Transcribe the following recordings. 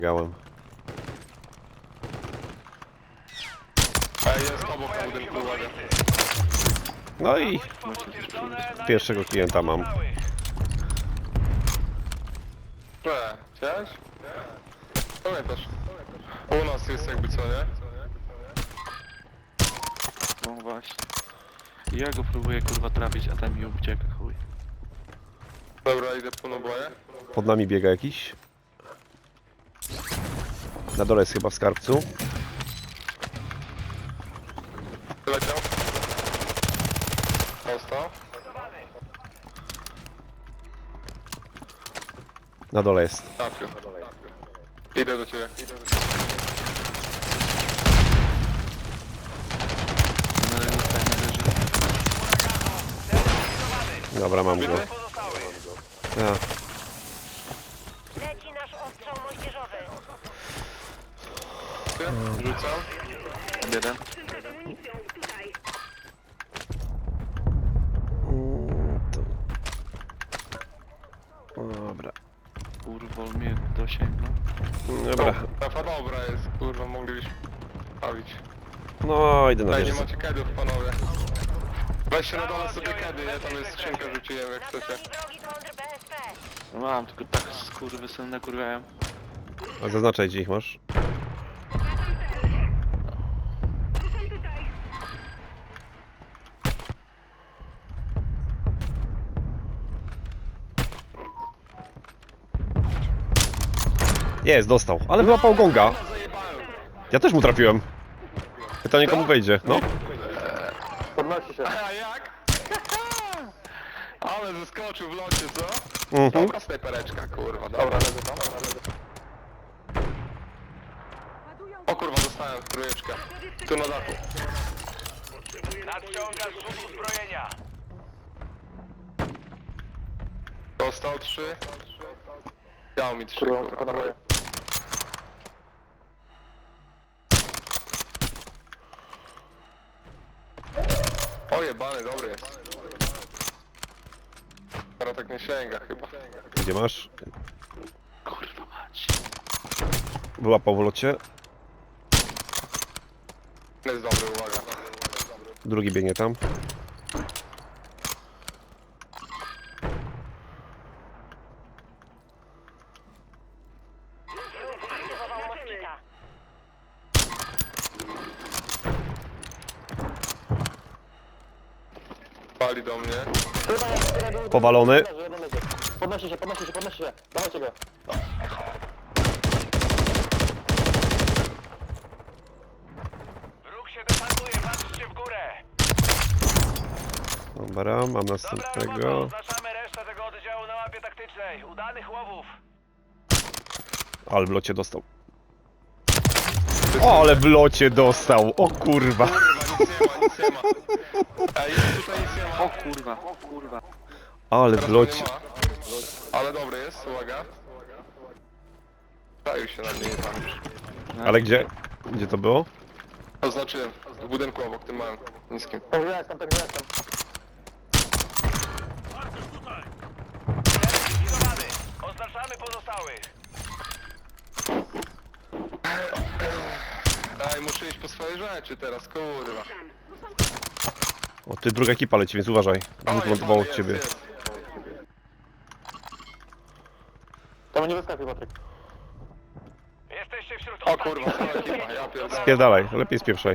Gałem. Jest obok na budynku, uwaga. No i pierwszego klienta mam. Chciałeś? Pamiętasz? U nas jest jakby co, nie? No właśnie. Ja go próbuję kurwa trafić, a ten mi ucieka, chuj. Dobra, idę po naboje. Pod nami biega jakiś. Na dole jest chyba w skarbcu. Leciał. Dostał. Na dole jest. Trafił. Idę do ciebie. No ale już tak nie leży. Dobra, mam go. Ja. Leci nasz ostrzał moździerzowy. Rzucam. Jeden. Dobra. Kurwa, mnie dosięgnął. Dobra. Trafa dobra jest, kurwa, moglibyśmy bawić. No, idę na Ej, nie wieżę. macie kedów, panowie. Weźcie na dole sobie kedy, ja tam jest skrzynka, rzuciłem jak Nad chcecie. nami wrogi kontr BSP. No mam, tylko tak skurwysyny kurwiają. A zaznaczaj, gdzie ich masz. Jest, dostał. Ale wyłapał gonga. Ja też mu trafiłem. Pytanie, komu wejdzie. No. Podnosi się. A jak? Ale zeskoczył w locie, co? Mhm. Dobra snajpereczka, kurwa. Dobra, leży tam. O kurwa, dostałem trójeczkę. Tu na dachu. Nadciąga zrzut uzbrojenia. Dostał 3. Dał mi 3, kurwa. O jebany, dobry jest. Teraz tak nie sięga chyba. Gdzie masz? Kurwa mać. Wyłapał w locie. Jest dobry, uwaga. Drugi biegnie tam. Aktywował moskita. Pali do mnie. Powalony. Podnosi się. Dawajcie go. Wróg się desantuje, patrzcie w górę. Dobra, mam Dobra robota, następnego. oznaczamy resztę tego oddziału na mapie taktycznej. Udanych łowów. Ale w locie dostał. O, ale w locie dostał. O kurwa. Kurwa, nic nie ma. Ej, jest tutaj nic nie ma. O kurwa, o kurwa. Ale w Teraz locie. nie ma. Ale dobry jest, uwaga. Zajął się na mnie tam już. Ale gdzie? Gdzie to było? Oznaczyłem. W budynku obok tym małym, niskim. Tak jestem. Zlikwidowany. Oznaczamy pozostałych. Ej, muszę iść po swoje rzeczy teraz, kurwa. O, ty druga ekipa leci, więc uważaj. Dwóch lądowało od ciebie. Tam nie wyskakuj, Patryk. Jesteście wśród O kurwa, cała ekipa, ja pierdolę. Spierdalaj, lepiej spieprzaj.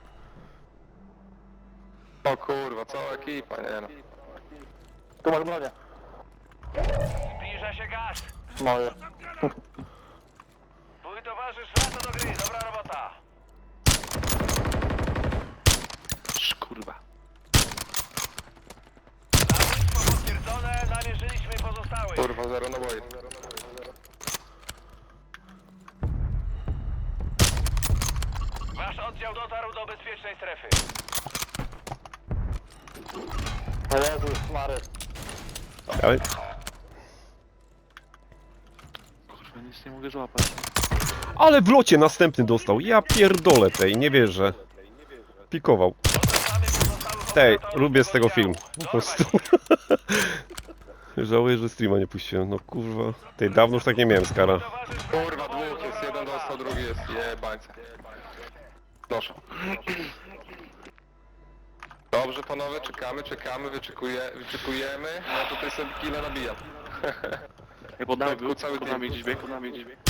O kurwa, cała ekipa, nie no. Tu masz bronię. Zbliża się gaz. Moje. Twój towarzysz wraca do gry. Dobra robota. Kurwa. Zabójstwo potwierdzone. Namierzyliśmy pozostałych. Kurwa, zero naboi. Wasz oddział dotarł do bezpiecznej strefy. O Jezus, Mary. Ale Kurwa, nic nie mogę złapać. Ale w locie następny dostał. Ja pierdolę tej, nie wierzę. Pikował. Oznaczamy pozostałych Tej, operatorów lubię z tego oddziału. film. Po prostu. Żałuję, że streama nie puściłem. No kurwa. Tej, dawno już tak nie miałem, skara. Towarzysz Kurwa, dwóch jest, dostał, drugi jest jebańca. Proszę. Dobrze panowie, czekamy, wyczekujemy. Ja tutaj sobie killa nabijam. Ej, pod nami Tak, był, cały pod team. nami gdzieś biegł, pod nami gdzieś biegł.